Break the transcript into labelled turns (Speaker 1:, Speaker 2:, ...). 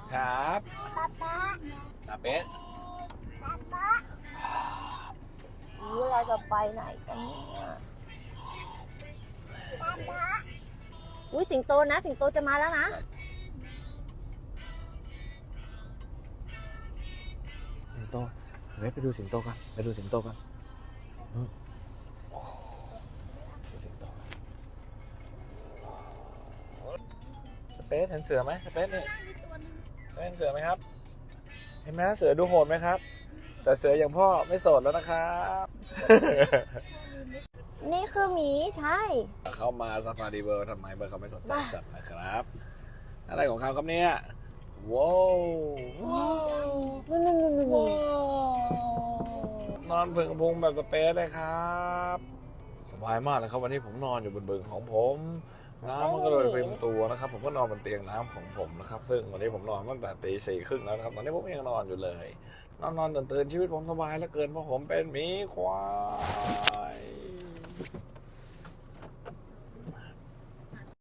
Speaker 1: ครับ
Speaker 2: ป๊าป๊า
Speaker 1: ตาเป็ด
Speaker 2: ป๊าป๊าเราจะไปไหนกันเนี่ยป๊าป๊าอุ้ยสิงโตนะสิงโตจะมาแล้วนะ
Speaker 1: สิงโตเฮ้ยไปดูสิงโตกันไปดูสิงโตกันนู่นโอ้ดูสิงโตสเปซเห็นเสือไหมสเปซนี่เห็นเสือไหมครับเห็นไหมเสือดูโหดไหมครับแต่เสืออย่างพ่อไม่โสดแล้วนะครับ
Speaker 2: นี่คือหมีใช่
Speaker 1: เข้ามาซาฟารีเวิลด์ทำไมเบอร์เขาไม่สนใจสัตว์นะครับอะไรของเขาครับเนี่ยว้าวว้าว
Speaker 2: นู่น
Speaker 1: ว้าวนอนพึงพุงแบบสเปซเลยครับสบายมากเลยครับวันนี้ผมนอนอยู่บนบึงของผมน้ำมันก็เลยเป็นตัวนะครับผมก็นอนบนเตียงน้ำของผมนะครับซึ่งวันนี้ผมนอนตั้งแต่ตี 4:30แล้วนะครับตอนนี้ผมยังนอนอยู่เลยนอนตื่นชีวิตผมสบายเหลือเกินเพราะผมเป็นหมีควาย